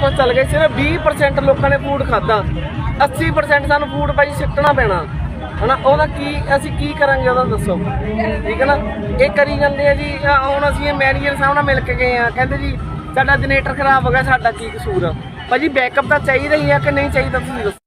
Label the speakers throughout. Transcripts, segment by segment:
Speaker 1: ਕੁਝ ਚੱਲ ਗਿਆ। ਸਿਰਫ 20% ਲੋਕਾਂ ਨੇ ਫੂਡ ਖਾਧਾ, 80% ਸਾਨੂੰ ਫੂਡ ਭਾਈ ਸਿੱਟਣਾ ਪੈਣਾ ਹੈ ਨਾ। ਉਹਦਾ ਕੀ ਅਸੀਂ ਕੀ ਕਰਾਂਗੇ ਉਹਦਾ ਦੱਸੋ, ਠੀਕ ਹੈ ਨਾ। ਇਹ ਕਰੀ ਜਾਂਦੇ ਆ ਜੀ। ਹੁਣ ਅਸੀਂ ਇਹ ਮੈਨੇਜਰ ਸਾਹਿਬ ਨਾਲ ਮਿਲ ਕੇ ਗਏ ਆ, ਕਹਿੰਦੇ ਜੀ ਸਾਡਾ ਜਨਰੇਟਰ ਖਰਾਬ ਹੋ ਗਿਆ, ਸਾਡਾ ਕੀ ਕਸੂਰ ਆ ਭਾਜੀ? ਬੈਕਅਪ ਤਾਂ ਚਾਹੀਦਾ ਹੀ ਆ ਕਿ ਨਹੀਂ ਚਾਹੀਦਾ, ਤੁਸੀਂ ਦੱਸੋ।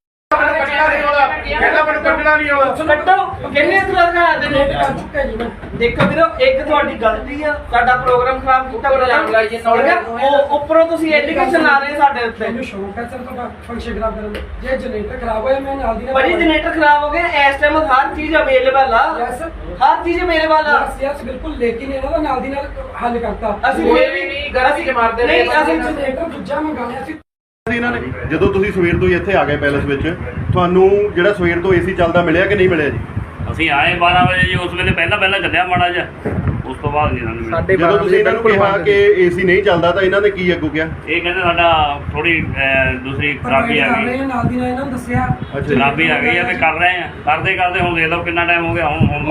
Speaker 1: ਦੇਖੋ ਵੀਰੋ, ਇੱਕ ਤੁਹਾਡੀ ਗਲਤੀ ਆ, ਸਾਡਾ ਪ੍ਰੋਗਰਾਮ ਖਰਾਬ ਕੀਤਾ। ਉੱਪਰੋਂ ਤੁਸੀਂ ਐਲੀਗੇਸ਼ਨ ਲਾ ਰਹੇ ਸਾਡੇ ਉੱਤੇ।
Speaker 2: ਮੈਨੂੰ ਸ਼ੌਂਕ ਹੈ ਸਰ ਤੁਹਾਡਾ ਫੰਕਸ਼ਨ ਖਰਾਬ ਕਰਨ ਦਾ। ਜੇ ਜਨਰੇਟਰ ਖਰਾਬ ਹੋਇਆ ਮੈਂ ਨਾਲ ਦੀ ਨਾਲ
Speaker 1: ਭਾਜੀ ਜਨਰੇਟਰ ਖਰਾਬ ਹੋ ਗਿਆ, ਇਸ ਟਾਈਮ ਹਰ ਚੀਜ਼ ਅਵੇਲੇਬਲ ਆ।
Speaker 2: ਯੈਸ
Speaker 1: ਹਰ ਚੀਜ਼ ਅਵੇਲੇਬਲ ਆ।
Speaker 2: ਯੈਸ ਬਿਲਕੁਲ, ਲੇਕਿਨ ਇਹਨਾਂ ਦਾ ਨਾਲ ਦੀ ਨਾਲ ਹੱਲ ਕਰਤਾ।
Speaker 1: ਅਸੀਂ ਫੇਰ ਵੀ ਨਹੀਂ ਗਲਤੀ ਚ ਮਾਰਦੇ ਨਹੀਂ। ਅਸੀਂ
Speaker 2: ਜਨਰੇਟਰ ਦੂਜਾ ਮੰਗਾਇਆ ਸੀ
Speaker 3: ਇਹਨਾਂ ਨੇ। ਜਦੋਂ ਤੁਸੀਂ ਸਵੇਰ ਤੋਂ ਹੀ ਇੱਥੇ ਆ ਗਏ ਪੈਲਸ ਵਿੱਚ, ਤੁਹਾਨੂੰ ਜਿਹੜਾ ਸਵੇਰ ਤੋਂ ਏਸੀ ਚੱਲਦਾ ਮਿਲਿਆ ਕਿ ਨਹੀਂ ਮਿਲਿਆ ਜੀ?
Speaker 4: ਅਸੀਂ ਆਏ 12 ਵਜੇ ਜੀ, ਉਸ ਵੇਲੇ ਪਹਿਲਾਂ ਚੱਲਿਆ ਮਾੜਾ ਜਿਹਾ, ਉਸ ਤੋਂ ਬਾਅਦ ਨਹੀਂ ਸਾਨੂੰ ਮਿਲਿਆ।
Speaker 3: ਜਦੋਂ ਤੁਸੀਂ ਇਹਨਾਂ ਨੂੰ ਕਿਹਾ ਕਿ ਏਸੀ ਨਹੀਂ ਚੱਲਦਾ ਤਾਂ ਇਹਨਾਂ ਨੇ ਕੀ ਅੱਗੋਂ ਕਿਹਾ?
Speaker 4: ਇਹ ਕਹਿੰਦੇ ਸਾਡਾ ਥੋੜੀ ਦੂਸਰੀ ਖਰਾਬੀ ਆ ਗਈ,
Speaker 2: ਨਾਲ ਦੀ ਨਾਲ ਇਹਨਾਂ ਨੂੰ ਦੱਸਿਆ
Speaker 4: ਖਰਾਬੀ ਆ ਗਈ ਆ ਤੇ ਕਰ ਰਹੇ ਆ, ਕਰਦੇ ਹੁਣ ਦੇਖ ਲਓ ਕਿੰਨਾ ਟਾਈਮ ਹੋ ਗਿਆ। ਹੁਣ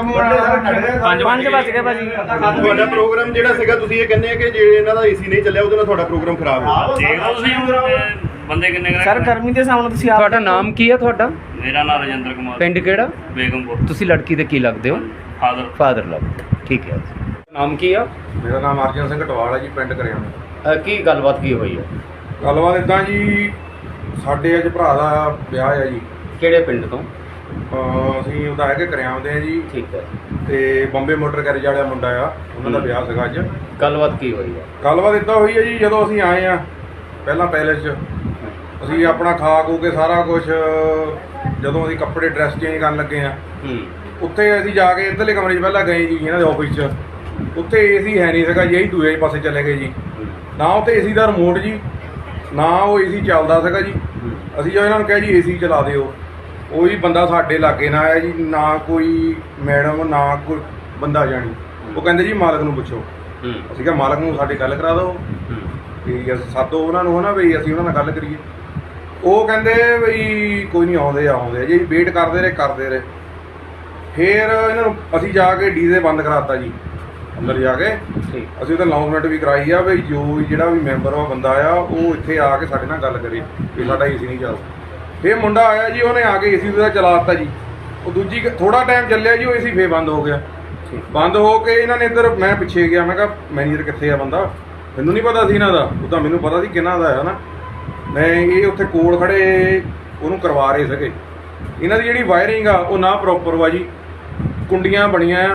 Speaker 1: 5 ਵਜ ਗਏ ਭਾਜੀ।
Speaker 3: ਤੁਹਾਡਾ ਪ੍ਰੋਗਰਾਮ ਜਿਹੜਾ ਸੀਗਾ, ਤੁਸੀਂ ਇਹ ਕਹਿੰਦੇ ਆ ਕਿ ਜੇ ਇਹਨਾਂ ਦਾ ਏਸੀ ਨਹੀਂ ਚੱਲਿਆ ਉਹਦੇ ਨਾਲ ਤੁਹਾਡਾ ਪ੍ਰੋਗਰਾਮ ਖਰਾਬ ਹੋ ਗਿਆ।
Speaker 4: ਦੇਖ ਲਓ ਤੁਸੀਂ ਹੁਣ ਬੰਦੇ ਕਿੰਨੇ
Speaker 1: ਸਰ ਗਰਮੀ ਦੇ ਸਾਹਮਣੇ ਤੁਸੀਂ
Speaker 5: ਤੁਹਾਡਾ ਨਾਮ ਕੀ ਹੈ ਤੁਹਾਡਾ?
Speaker 4: ਮੇਰਾ ਨਾਮ ਰਜਿੰਦਰ ਕੁਮਾਰ,
Speaker 5: ਪਿੰਡ ਕਿਹੜਾ?
Speaker 4: ਬੇਗਮਪੁਰ।
Speaker 5: ਤੁਸੀਂ ਲੜਕੀ ਦੇ ਕੀ ਲੱਗਦੇ ਹੋ?
Speaker 4: ਫਾਦਰ
Speaker 5: ਲੱਗਦੇ, ਠੀਕ ਹੈ। ਨਾਮ ਕੀ ਆ?
Speaker 6: ਮੇਰਾ ਨਾਮ ਅਰਜਨ ਸਿੰਘ ਟਵਾਲ ਹੈ ਜੀ, ਪਿੰਡ ਕਰਿਆਣਾ।
Speaker 5: ਕੀ ਗੱਲਬਾਤ ਕੀ ਹੋਈ ਹੈ?
Speaker 6: ਗੱਲਬਾਤ ਇੱਦਾਂ ਜੀ, ਸਾਡੇ ਅੱਜ ਭਰਾ ਦਾ ਵਿਆਹ ਹੈ ਜੀ।
Speaker 5: ਕਿਹੜੇ ਪਿੰਡ ਤੋਂ?
Speaker 6: ਅਸੀਂ ਉਹਦਾ ਹੈਗੇ ਕਰਿਆਮ ਦੇ ਆ ਜੀ,
Speaker 5: ਠੀਕ ਹੈ।
Speaker 6: ਤੇ ਬੰਬੇ ਮੋਟਰ ਗੈਰੇਜ ਵਾਲਾ ਮੁੰਡਾ ਆ, ਉਹਨਾਂ ਦਾ ਵਿਆਹ ਸੀਗਾ ਅੱਜ।
Speaker 5: ਗੱਲਬਾਤ ਕੀ ਹੋਈ ਹੈ?
Speaker 6: ਗੱਲਬਾਤ ਇੱਦਾਂ ਹੋਈ ਹੈ ਜੀ, ਜਦੋਂ ਅਸੀਂ ਆਏ ਆ ਪਹਿਲਾਂ ਪੈਲੇਸ 'ਚ, ਅਸੀਂ ਆਪਣਾ ਖਾ ਖੂ ਕੇ ਸਾਰਾ ਕੁਝ, ਜਦੋਂ ਅਸੀਂ ਕੱਪੜੇ ਡਰੈਸ ਚੇਂਜ ਕਰਨ ਲੱਗੇ ਆ, ਉੱਥੇ ਅਸੀਂ ਜਾ ਕੇ ਇੱਧਰਲੇ ਕਮਰੇ 'ਚ ਪਹਿਲਾਂ ਗਏ ਜੀ ਇਹਨਾਂ ਦੇ ਆਫਿਸ 'ਚ। ਉੱਥੇ ਏਸੀ ਹੈ ਨਹੀਂ ਸੀਗਾ ਜੀ, ਅਸੀਂ ਦੂਜੇ ਪਾਸੇ ਚਲੇ ਗਏ ਜੀ। ਨਾ ਉੱਥੇ ਏਸੀ ਦਾ ਰਿਮੋਟ ਜੀ, ਨਾ ਉਹ ਏਸੀ ਚੱਲਦਾ ਸੀਗਾ ਜੀ। ਅਸੀਂ ਜਦੋਂ ਇਹਨਾਂ ਨੂੰ ਕਿਹਾ ਜੀ ਏਸੀ ਚਲਾ ਦਿਓ, ਉਹ ਹੀ ਬੰਦਾ ਸਾਡੇ ਲਾਗੇ ਨਾ ਆਇਆ ਜੀ, ਨਾ ਕੋਈ ਮੈਡਮ ਨਾ ਕੋਈ ਬੰਦਾ ਜਾਣੀ। ਉਹ ਕਹਿੰਦੇ ਜੀ ਮਾਲਕ ਨੂੰ ਪੁੱਛੋ। ਅਸੀਂ ਕਿਹਾ ਮਾਲਕ ਨੂੰ ਸਾਡੇ ਗੱਲ ਕਰਾ ਦਿਓ, ਵੀ ਅਸੀਂ ਸਾਦੋ ਉਹਨਾਂ ਨੂੰ, ਹੈ ਨਾ, ਵੀ ਅਸੀਂ ਉਹਨਾਂ ਨਾਲ ਗੱਲ ਕਰੀਏ। ਉਹ ਕਹਿੰਦੇ ਵੀ ਕੋਈ ਨਹੀਂ, ਆਉਂਦੇ ਆ ਜੀ। ਵੇਟ ਕਰਦੇ ਰਹੇ। ਫਿਰ ਇਹਨਾਂ ਨੂੰ ਅਸੀਂ ਜਾ ਕੇ ਡੀਜ਼ੇ ਬੰਦ ਕਰਾਤਾ ਜੀ। ਅੰਦਰ ਜਾ ਕੇ ਅਸੀਂ ਉਹਦਾ ਅਨਾਉਂਸਮੈਂਟ ਵੀ ਕਰਾਈ ਆ ਵੀ ਜੋ ਵੀ ਜਿਹੜਾ ਵੀ ਮੈਂਬਰ ਆ ਬੰਦਾ ਆ, ਉਹ ਇੱਥੇ ਆ ਕੇ ਸਾਡੇ ਨਾਲ ਗੱਲ ਕਰੇ ਵੀ ਸਾਡਾ ਏਸੀ ਨਹੀਂ ਚੱਲਦਾ। ਫਿਰ ਮੁੰਡਾ ਆਇਆ ਜੀ, ਉਹਨੇ ਆ ਕੇ ਏਸੀ ਉਹਦਾ ਚਲਾ ਦਿੱਤਾ ਜੀ। ਉਹ ਦੂਜੀ ਥੋੜਾ ਟਾਈਮ ਚੱਲਿਆ ਜੀ, ਉਹ ਏਸੀ ਫੇਰ ਬੰਦ ਹੋ ਗਿਆ। ਬੰਦ ਹੋ ਕੇ ਇਹਨਾਂ ਨੇ ਇੱਧਰ, ਮੈਂ ਪਿੱਛੇ ਗਿਆ, ਮੈਂ ਕਿਹਾ ਮੈਨੇਜਰ ਕਿੱਥੇ ਆ ਬੰਦਾ? ਮੈਨੂੰ ਨਹੀਂ ਪਤਾ ਸੀ ਇਹਨਾਂ ਦਾ, ਉਹ ਤਾਂ ਮੈਨੂੰ ਪਤਾ ਸੀ ਕਿਹਨਾਂ ਦਾ ਹੈ ਨਾ। ਮੈਂ ਇਹ ਉੱਥੇ ਕੋਲ ਖੜੇ ਉਹਨੂੰ ਕਰਵਾ ਰਹੇ ਸੀਗੇ। ਇਹਨਾਂ ਦੀ ਜਿਹੜੀ ਵਾਇਰਿੰਗ ਆ ਉਹ ਨਾ ਪ੍ਰੋਪਰ ਵਾ ਜੀ, ਕੁੰਡੀਆਂ ਬਣੀਆਂ ਆ।